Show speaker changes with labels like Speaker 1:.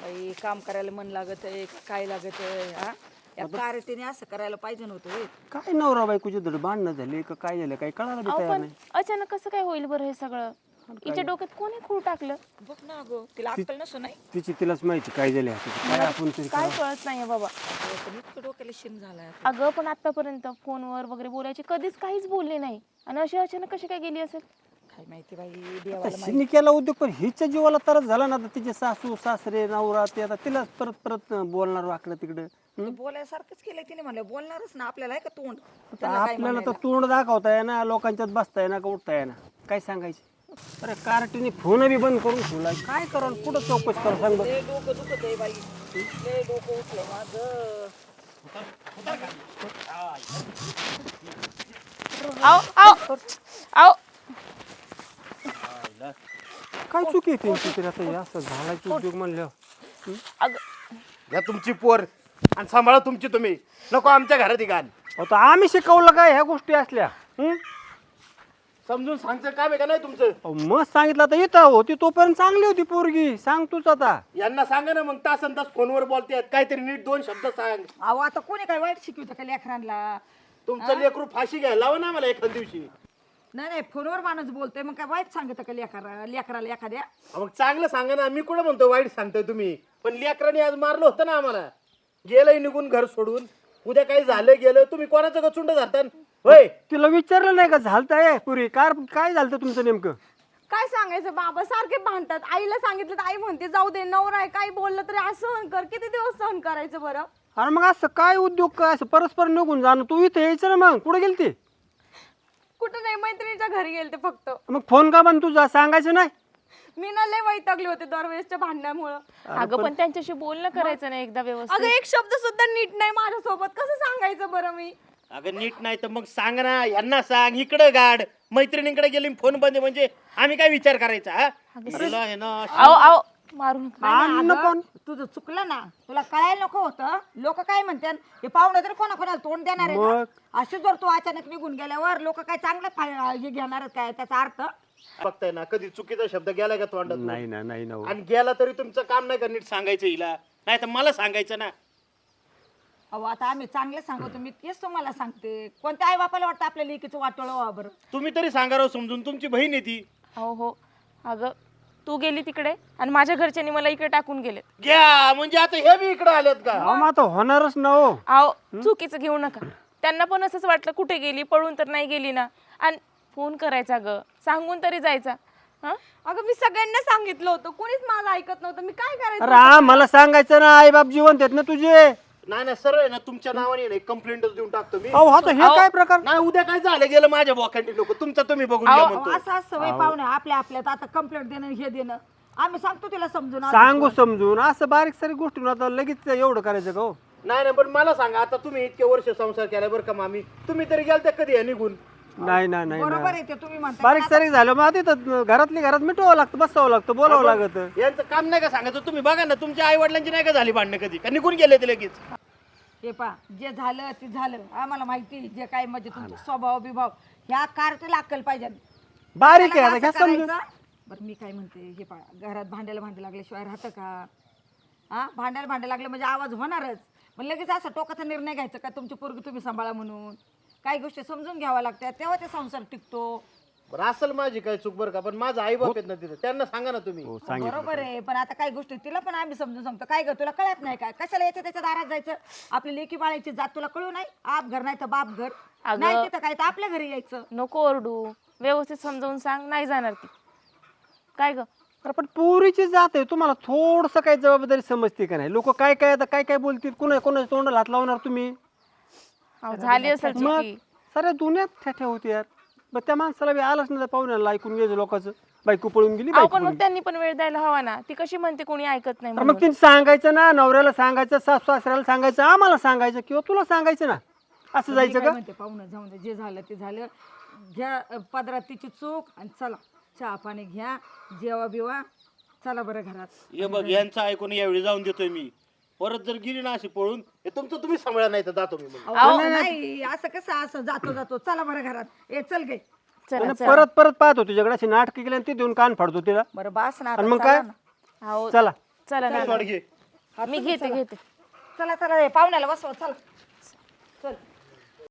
Speaker 1: बाई काम करायला मन लागत आहे काय लागत आहे हा या कार्यतेने असं करायला पाहिजे नव्हतं होय.
Speaker 2: काय नवरा बायकोची धड भांडणं झाली का काय झालं काय कळायला बी
Speaker 3: अहो
Speaker 2: तयार
Speaker 3: पण
Speaker 2: नाही.
Speaker 3: अचानक कसं काय होईल बरं हे सगळं? हिच्या डोक्यात कोणी खूळ टाकलं?
Speaker 1: बघ ना अगं तिला अक्कल नसू नाही
Speaker 2: तिलाच माहिती काय झाले काय आपण तरी
Speaker 3: काय कळत नाहीये बाबा.
Speaker 1: पण इतकं डोक्याला शिन झालाय
Speaker 3: अगं पण आतापर्यंत फोनवर वगैरे बोलायची कधीच काहीच बोलले नाही आणि अशी अचानक कशी काय गेली असेल?
Speaker 1: काय माहिती बाई देवाला
Speaker 2: शिनी केला उद्योग पण हिच्या जीवाला तरच झाला ना आता तिचे सासू सासरे नवरा ते आता तिलाच परत परत बोलणार वाकडं तिकडं.
Speaker 1: माहिती बोलायसारखंच केलंय तिने म्हणलं बोलणारच ना आपल्याला आहे का तोंड
Speaker 2: आता
Speaker 1: त्यांना काय
Speaker 2: आपल्याला तर
Speaker 1: म्हणायला?
Speaker 2: तोंड दाखवता ना लोकांच्यात बसताय ना का उठताय ना काय सांगायचे. अरे कार्टीने फोन बी बंद करून ठेवला काय करा कुठं चौकशी करा सांग बरं.
Speaker 1: लय डोकं दुखत आहे बाई लय डोकं उठलं माझं
Speaker 3: आओ आओ आओ
Speaker 2: काय चुकी आहे त्यांची तरी आता हे असं झाडाचे उद्योग म्हणल्यावर.
Speaker 3: अगं
Speaker 4: घ्या तुमची पोर आणि सांभाळा तुमची तुम्ही नको आमच्या घरात ही घाल
Speaker 2: आता आम्ही शिकवलं काय ह्या गोष्टी असल्या.
Speaker 4: समजून सांगचं काम आहे का नाही तुमचं
Speaker 2: मग सांगितलं आता येतं होती तोपर्यंत चांगली होती पोरगी सांग तूच आता.
Speaker 4: यांना सांगा ना मग तासन तास फोनवर बोलतात काहीतरी नीट दोन शब्द सांग
Speaker 1: अहो आता कोणी काय वाईट शिकवतं का लेकरांना
Speaker 4: तुमचं लेकरू फाशी घ्या लावा ना मला एखाद दिवशी
Speaker 1: नाही नाही फोनवर माणूस बोलतोय मग काय वाईट सांगत का लेकराला एखाद्या
Speaker 4: मग चांगलं सांगा ना मी कुठं म्हणतो वाईट सांगतोय तुम्ही पण लेकरांनी आज मारलं होतं ना आम्हाला गेलंय निघून घर सोडून उद्या काही झालं गेलं तुम्ही कोणाचं गचुंड धरता होय
Speaker 2: तिला विचारलं नाही का झालतंय पुरी काय झालं तुमचं नेमकं.
Speaker 5: काय सांगायचं बाबा सारखे भांडतात. आईला सांगितलं तर आई म्हणते जाऊ दे नवरा आहे काही बोललं तरी असं सहन कर. किती दिवस सहन करायचं बरं?
Speaker 2: अरे मग असं काय उद्योग काय असं परस्पर निघून जाणं तू इथे यायचं ना मग कुठे गेलती.
Speaker 5: कुठं नाही मैत्रिणीच्या घरी गेलते फक्त.
Speaker 2: मग फोन का बंद तुझा सांगायचं नाही.
Speaker 5: मी ना लय वैतागले होते दरवेळेसच्या भांडण्यामुळं.
Speaker 3: अगं पण त्यांच्याशी बोलणं करायचं नाही एकदा व्यवस्थित.
Speaker 5: अगं एक शब्द सुद्धा नीट नाही माझ्यासोबत. कसं सांगायचं बरं मी?
Speaker 4: अगं नीट नाही तर मग सांग ना यांना सांग इकडं गाड मैत्रिणीकडे गेली फोन बंद म्हणजे आम्ही काय विचार करायचा हा हिला हे ना
Speaker 3: आओ आओ मारू नका.
Speaker 1: अगं, तुझं चुकलं ना तुला कळायला नको होतं लोक काय म्हणतात हे पाहुणं तर कोणाकोणाला तोंड देणार आहे का? अशी जर तू अचानक निघून गेल्यावर लोक काय चांगलं हे घेणार काय त्याचा अर्थ
Speaker 4: बघताय ना कधी चुकीचा शब्द गेला का तोंडात
Speaker 2: नाही ना नाही ना.
Speaker 4: आणि गेला तरी तुमचं काम नाही का नीट सांगायचं हिला नाही तर मला सांगायचं ना
Speaker 1: अहो आता आम्ही चांगलं सांगतो मी तेच तुम्हाला सांगते कोणत्या आई बापाला वाटतं आपल्या लेकीचं वाटोळं व्हा बरं
Speaker 4: तुम्ही तरी सांगा राव समजून तुमची बहीण आहे ती
Speaker 3: हो हो अगं तू गेली तिकडे आणि माझ्या घरच्यांनी मला इकडे टाकून गेले.
Speaker 4: घ्या म्हणजे आता हे बी इकडे आलेत का
Speaker 2: अहो, मग आता होणारच ना हो.
Speaker 3: आओ चुकीचं घेऊ नका. त्यांना पण असंच वाटलं कुठे गेली पळून तर नाही गेली ना. आणि फोन करायचा ग सांगून तरी जायचा. हा
Speaker 5: अगं मी सगळ्यांना सांगितलं होतं कोणीच माझं ऐकत नव्हतं. मी काय करायचं?
Speaker 2: अरे मला सांगायचं ना आई बाप जिवंत आहेत ना तुझे.
Speaker 4: नाही नाही सरळ आहे ना तुमच्या नावाने नाही कंप्लेंटच देऊन टाकतो मी
Speaker 2: अहो आता हे काय प्रकार.
Speaker 4: नाही उद्या काय झालं गेलं माझ्या बोकांडी नको तुमचं तुम्ही बघून घ्या म्हणतो
Speaker 1: असं असं वय पाहुणे आपल्या आपल्यात आता कंप्लेंट देणं हे देणं आम्ही सांगतो तिला समजून
Speaker 2: सांगू समजून असं बारीक सारी गोष्टी आता लगेच एवढं करायचं का हो.
Speaker 4: नाही नाही पण मला सांगा आता तुम्ही इतके वर्ष संसार केला बरं का मामी तुम्ही तरी गेलते कधी या निघून
Speaker 2: नाही नाही नाही
Speaker 1: बरोबर
Speaker 2: नाही.
Speaker 1: आहे ते तुम्ही म्हणता
Speaker 2: बारीक सारीक झालं मग तिथं घरातली घरात मिटवावं लागतं बसावं लागतं बोलावं लागतं.
Speaker 4: यांचं काम नाही का सांगायचं तुम्ही बघा ना तुमच्या आई वडिलांची नाही का झाली भांडणं कधी का निघून गेले ते लगेच
Speaker 1: हे पा जे झालं ते झालं आम्हाला माहिती जे काय म्हणजे तुमचा स्वभाव बिभाव ह्या कार्टला अक्कल पाहिजे
Speaker 2: बारीक आहे आता
Speaker 1: असं
Speaker 2: घ्या समजून.
Speaker 1: करायचं. बरं मी काय म्हणते हे पा घरात भांडायला लागल्याशिवाय राहतं का हा भांडायला लागलं म्हणजे आवाज होणारच मग लगेच असं टोकाचा निर्णय घ्यायचा का तुमची पोरगी तुम्ही सांभाळा म्हणून काही गोष्टी समजून घ्याव्या लागतात तेव्हा ते संसार टिकतो.
Speaker 4: बरं असेल माझी काय चूक बरं का पण माझा आई बाप आहेत ना तिथं त्यांना सांगा ना तुम्ही
Speaker 1: बरोबर आहे पण आता काही गोष्टी तिला पण आम्ही समजून सांगतो काय ग तुला कळत नाही काय कशाला याच्या त्याच्या दारात जायचं आपली लेकी बाळाची जात तुला कळू नाही आप घर नाही तर बाप घर नाही तिथं काय तर आपल्या घरी यायचं.
Speaker 3: नको ओरडू व्यवस्थित समजावून सांग नाही जाणार ती. काय ग
Speaker 2: अरे पण पुरीची जात आहे तुम्हाला थोडस काही जबाबदारी समजते का नाही. लोक काय काय आता काय काय बोलतील कोणाच्या तोंडाला हात लावणार तुम्ही.
Speaker 3: अहो, झाली असेल
Speaker 2: मग
Speaker 3: चुकी.
Speaker 2: साऱ्या दुनियात ठ्या होती यार. मग त्या माणसाला बी आलाच नाही पाहुण्याला ऐकून घ्यायचं लोकांचं बायको पळून गेली
Speaker 3: अहो
Speaker 2: बायको
Speaker 3: पण मग त्यांनी पण वेळ द्यायला हवा ना. ती कशी म्हणते कोणी ऐकत नाही
Speaker 2: मग
Speaker 3: म्हणून.
Speaker 2: तिने सांगायचं ना नवऱ्याला सांगायचं सासू सासऱ्याला सांगायचं आम्हाला सांगायचं किंवा तुला सांगायचं ना असं
Speaker 1: मी
Speaker 2: जायचं
Speaker 1: काय
Speaker 2: का.
Speaker 1: म्हणते पाहुणं जाऊन दे, जे झालं ते झालं घ्या पदरात तिची चूक आणि चला चहा पाणी घ्या जेवा बिवा चला बरं घरात.
Speaker 4: हे बघ यांचं ऐकून यावेळी जाऊन देतोय मी परत जर गेली ना अशी पळून हे तुमचं तुम्ही सांभाळा नाही तर जातो मी मग.
Speaker 1: अहो, नाही असं कसं असं जातो चला बरं घरात ए चल गे
Speaker 3: चला
Speaker 2: आणि परत परत पाहतो तुझ्याकडे अशी नाटकं केली आणि ती देऊन कान फाडतो तिला
Speaker 1: बरं बास ना
Speaker 2: आणि मग काय
Speaker 3: अहो
Speaker 2: चला
Speaker 3: चला ना.
Speaker 4: सोड घे
Speaker 1: हा,
Speaker 3: मी
Speaker 1: तुम्ही
Speaker 3: घेते
Speaker 1: चला.
Speaker 3: घेते
Speaker 1: चला चला हे पाहुण्याला बसवा चला चल